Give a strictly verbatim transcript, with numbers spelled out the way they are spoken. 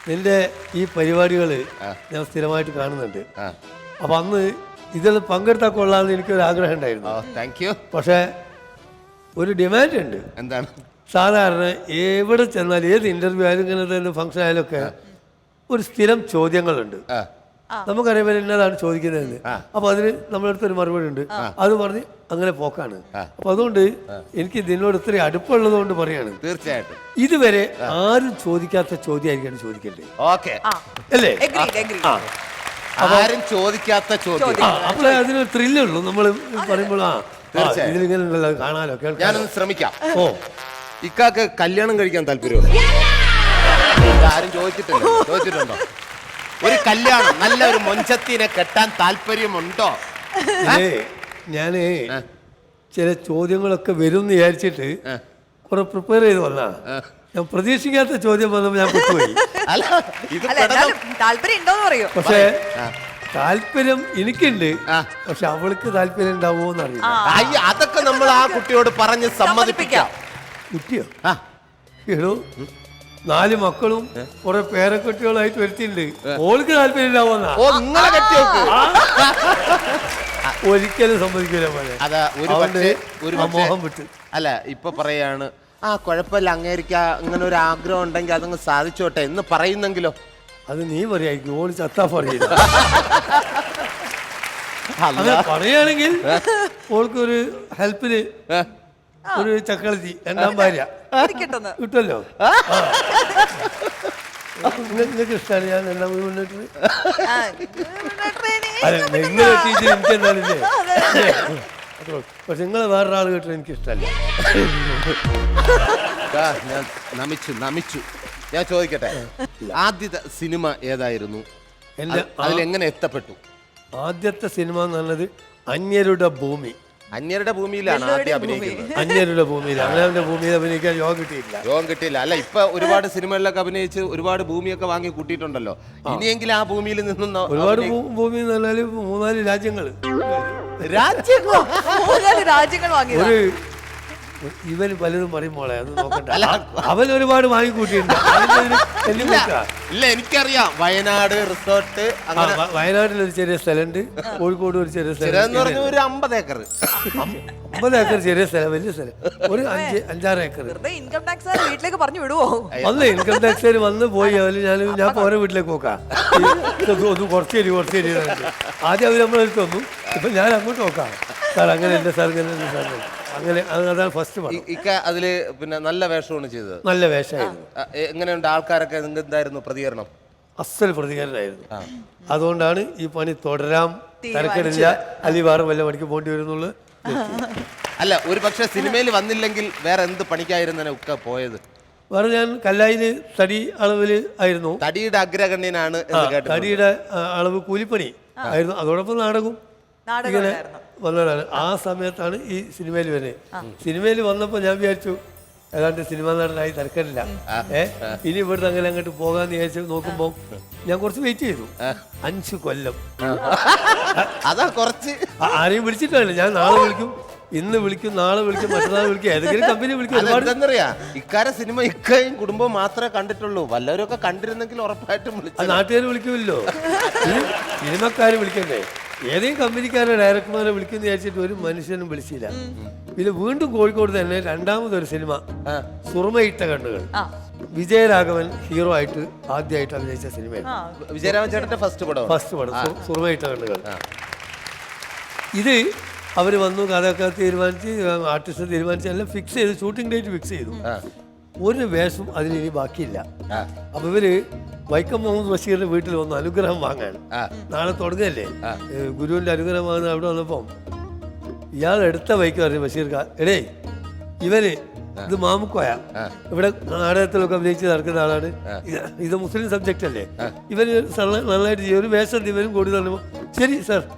നിന്റെ ഈ പരിപാടികൾ ഞാൻ സ്ഥിരമായിട്ട് കാണുന്നുണ്ട്. അപ്പം അന്ന് ഇതിൽ പങ്കെടുത്താൽ കൊള്ളാമെന്ന് എനിക്കൊരു ആഗ്രഹം ഉണ്ടായിരുന്നു. Thank you. പക്ഷേ ഒരു ഡിമാൻഡ് ഉണ്ട്. എന്താണ്? സാധാരണ എവിടെ ചെന്നാലും ഏത് ഇന്റർവ്യൂ ആയാലും ഇങ്ങനത്തെ ഫംഗ്ഷൻ ആയാലും ഒക്കെ ഒരു സ്ഥിരം ചോദ്യങ്ങളുണ്ട്. നമുക്കറിയാൻ എന്നതാണ് ചോദിക്കുന്നതെന്ന്. അപ്പൊ അതിന് നമ്മളടുത്ത് ഒരു മറുപടി ഉണ്ട്. അത് പറഞ്ഞ് അങ്ങനെ പോക്കാണ്. അപ്പൊ അതുകൊണ്ട് എനിക്ക് ഇതിനോട് ഇത്രയും അടുപ്പുള്ളത് കൊണ്ട് പറയാണ്, തീർച്ചയായിട്ടും ഇതുവരെ ആരും ചോദിക്കാത്ത ചോദ്യമായിരിക്കും ചോദിക്കണ്ടേ? ഓക്കെ അല്ലേ? ആരും ചോദിക്കാത്ത ചോദ്യം. അപ്പോഴേ അതിനൊരു ത്രില്ലുള്ളൂ. നമ്മൾ പറയുമ്പോൾ ആ ഇതിലിങ്ങനെ കാണാലോ കേൾക്കാം. ഞാനൊന്ന് ശ്രമിക്കാം. ഓ, ഇക്കാക്ക് കല്യാണം കഴിക്കാൻ താല്പര്യമുണ്ടോ? ആരും ചോദിച്ചിട്ടുണ്ടോ? ചോദിച്ചിട്ടുണ്ടോ? ഒരു കല്യാണം, നല്ല ഒരു മൊഞ്ചത്തിനെ കെട്ടാൻ താല്പര്യമുണ്ടോ? ഞാന് ചില ചോദ്യങ്ങളൊക്കെ വരും എന്ന് വിചാരിച്ചിട്ട് കുറെ പ്രിപ്പയർ ചെയ്ത് വന്നാ. ഞാൻ പ്രതീക്ഷിക്കാത്ത ചോദ്യം വന്നപ്പോ ഞാൻ പെട്ടുപോയി. പക്ഷേ താല്പര്യം എനിക്കുണ്ട്, പക്ഷെ അവൾക്ക് താല്പര്യം ഉണ്ടാവോ എന്നറിയില്ല. അതൊക്കെ നമ്മൾ ആ കുട്ടിയോട് പറഞ്ഞ് സമ്മതിപ്പിക്കാം. കുട്ടിയോ? എടോ, നാല് മക്കളും കുറെ പേരക്കുട്ടികളായിട്ട് വരുത്തിണ്ട്. ഓൾക്ക് താല്പര്യം ഉണ്ടാവുന്ന ഒരിക്കലും സമ്മതിക്കില്ല പോലെ. മോഹം വിട്ട് അല്ല ഇപ്പൊ പറയാണ്, ആ കുഴപ്പമില്ല, അങ്ങേരിക്ക ഇങ്ങനെ ഒരു ആഗ്രഹം ഉണ്ടെങ്കിൽ അതങ്ങ് സാധിച്ചോട്ടെ എന്ന് പറയുന്നെങ്കിലോ? അത് നീ പറയായിരിക്കും. ഓള് ചത്താ പറയില്ല. പറയുകയാണെങ്കിൽ ഓൾക്കൊരു ഹെൽപ്പിന് ഒരു ചക്കളത്തി രണ്ടാം ഭാര്യ കിട്ടുമല്ലോ. നിങ്ങൾക്ക് ഇഷ്ടമാണ് ഞാൻ രണ്ടാം മുന്നിട്ട്. അല്ല നിങ്ങൾ ടീച്ചർ എനിക്ക് എന്താണില്ലേ? പക്ഷെ നിങ്ങളെ വേറൊരാൾ കേട്ടോ എനിക്ക് ഇഷ്ടമല്ല. ഞാൻ നമിച്ചു നമിച്ചു ഞാൻ ചോദിക്കട്ടെ, ആദ്യത്തെ സിനിമ ഏതായിരുന്നു? അതിലെങ്ങനെ എത്തപ്പെട്ടു? ആദ്യത്തെ സിനിമ എന്ന് പറഞ്ഞത് അന്യരുടെ ഭൂമി. അന്യരുടെ ഭൂമിയിലാണ് ആദ്യം അഭിനയിക്കുന്നത്. അന്യരുടെ ഭൂമിയിൽ, അവനവന്റെ ഭൂമിയിൽ അഭിനയിക്കാൻ യോഗം കിട്ടിയില്ല. യോഗം കിട്ടിയില്ല. അല്ല ഇപ്പൊ ഒരുപാട് സിനിമകളിലൊക്കെ അഭിനയിച്ച് ഒരുപാട് ഭൂമിയൊക്കെ വാങ്ങി കൂട്ടിയിട്ടുണ്ടല്ലോ. ഇനിയെങ്കിലും ആ ഭൂമിയിൽ നിന്നും ഒരുപാട് ഭൂമി എന്ന് പറഞ്ഞാല് മൂന്നാല് രാജ്യങ്ങൾ രാജ്യങ്ങൾ രാജ്യങ്ങൾ വാങ്ങി. ഒരു ഇവന് പലതും പറയുമ്പോളെ അത് നോക്കണ്ട. അവൻ ഒരുപാട് വാങ്ങിക്കൂട്ടിയിട്ടുണ്ട്. ഇല്ല എനിക്കറിയാം. വയനാട് റിസോർട്ട്, വയനാട്ടിൽ ഒരു ചെറിയ സ്ഥലമുണ്ട്, കോഴിക്കോട് ഒരു ചെറിയ സ്ഥലം, ഒരു അമ്പത് ഏക്കർ അമ്പത് ഏക്കർ ചെറിയ സ്ഥലം, വലിയ സ്ഥലം, ഒരു അഞ്ച് അഞ്ചാറ് ഏക്കർ. ഇൻകം ടാക്സ് വീട്ടിലേക്ക് പറഞ്ഞു വിടുവോ? വന്ന് ഇൻകം ടാക്സ് വന്ന് പോയി. അവര് ഞാൻ ഞാൻ ഓരോ വീട്ടിലേക്ക് നോക്കാം. ഒന്ന് കുറച്ച് തരി കുറച്ച് തരി ആദ്യം അവർ നമ്മളെടുത്ത് വന്നു. ഇപ്പൊ ഞാൻ അങ്ങോട്ട് നോക്കാം. സാർ അങ്ങനെ ഉണ്ട്, സാർ ഇങ്ങനെ സാർ അങ്ങനെ. അതാണ് ഫസ്റ്റ് ഇക്ക അതില് പിന്നെ നല്ല വേഷമാണ് ചെയ്തത്. നല്ല വേഷമായിരുന്നു. എങ്ങനെയുണ്ട് ആൾക്കാരൊക്കെ എന്തായിരുന്നു പ്രതികരണം? അസൽ പ്രതികരണമായിരുന്നു. അതുകൊണ്ടാണ് ഈ പണി തുടരാൻ തിരക്കിടില്ല, അല്ലെങ്കിൽ വേറെ വല്ല പണിക്ക് പോകേണ്ടി വരുന്നുള്ളു. അല്ല ഒരു പക്ഷെ സിനിമയിൽ വന്നില്ലെങ്കിൽ വേറെ എന്ത് പണിക്കായിരുന്നു ഉക്ക പോയത്? വേറെ ഞാൻ കല്ലായില് തടി അളവില് ആയിരുന്നു. തടിയുടെ അഗ്രഗണ്യനാണ്. തടിയുടെ അളവ് കൂലിപ്പണി ആയിരുന്നു. അതോടൊപ്പം നാടകവും ഇങ്ങനെ വന്നതാണ്. ആ സമയത്താണ് ഈ സിനിമയിൽ വരുന്നത്. സിനിമയിൽ വന്നപ്പോൾ ഞാൻ വിചാരിച്ചു ഏതാണ്ട് സിനിമ നടനായി തിരക്കില്ല. ഏഹ് ഇനി ഇവിടുന്ന് അങ്ങനെ അങ്ങോട്ട് പോകാന്ന് വിചാരിച്ചു നോക്കുമ്പോൾ ഞാൻ കുറച്ച് വെയിറ്റ് ചെയ്തു. അഞ്ച് കൊല്ലം അതാ കുറച്ച്. ആരെയും വിളിച്ചിട്ടില്ല. ഞാൻ നാളെ വിളിക്കും, ഇന്ന് വിളിക്കും, നാളെ വിളിക്കും, മറ്റന്നാൾ വിളിക്കും, ഏതെങ്കിലും കമ്പനി വിളിക്കും. എന്താന്നറിയാ, ഇക്കാരെ സിനിമ ഇക്കയും കുടുംബവും മാത്രമേ കണ്ടിട്ടുള്ളൂ. വല്ലവരൊക്കെ കണ്ടിരുന്നെങ്കിൽ ഉറപ്പായിട്ടും വിളിച്ചു. നാട്ടുകാർ വിളിക്കുമല്ലോ, സിനിമക്കാര് വിളിക്കണ്ടേ? ഏതെങ്കിലും കമ്പനിക്കാരെ ഡയറക്ടർമാരെ വിളിക്കുന്ന വിചാരിച്ചിട്ട് ഒരു മനുഷ്യനും വിളിച്ചില്ല. പിന്നെ വീണ്ടും കോഴിക്കോട് തന്നെ രണ്ടാമതൊരു സിനിമ, സുറുമയിട്ട കണ്ണുകൾ, വിജയരാഘവൻ ഹീറോ ആയിട്ട് ആദ്യമായിട്ട് അഭിനയിച്ച സിനിമയാണ്. വിജയരാഘവൻ ചേട്ടന്റെ ഫസ്റ്റ് പടം ഫസ്റ്റ് പടം സുറുമയിട്ട കണ്ണുകൾ. ഇത് അവർ വന്നു, കഥയൊക്കെ തീരുമാനിച്ച്, ആർട്ടിസ്റ്റ് തീരുമാനിച്ച് എല്ലാം ഫിക്സ് ചെയ്ത്, ഷൂട്ടിംഗ് ഡേറ്റ് ഫിക്സ് ചെയ്തു. ഒരു വേഷം അതിലിനി ബാക്കിയില്ല. അപ്പൊ ഇവര് വൈക്കം മുഹമ്മദ് ബഷീറിന്റെ വീട്ടിൽ വന്ന് അനുഗ്രഹം വാങ്ങാൻ. നാളെ തുടങ്ങല്ലേ ഗുരുവിന്റെ അനുഗ്രഹം വാങ്ങുന്ന. അവിടെ വന്നപ്പം ഇയാൾ എടുത്ത വൈക്ക് പറഞ്ഞു ബഷീർക്ക, എടേ ഇവര് ഇത് മാമുക്കോയ, ഇവിടെ നാടകത്തിലൊക്കെ അഭിനയിച്ച് നടക്കുന്ന ആളാണ്, ഇത് മുസ്ലിം സബ്ജക്റ്റ് അല്ലേ, ഇവര് നന്നായിട്ട് ചെയ്യും, ഒരു വേഷം ഇവരും കൂടി തന്നപ്പോ ശരി സാർ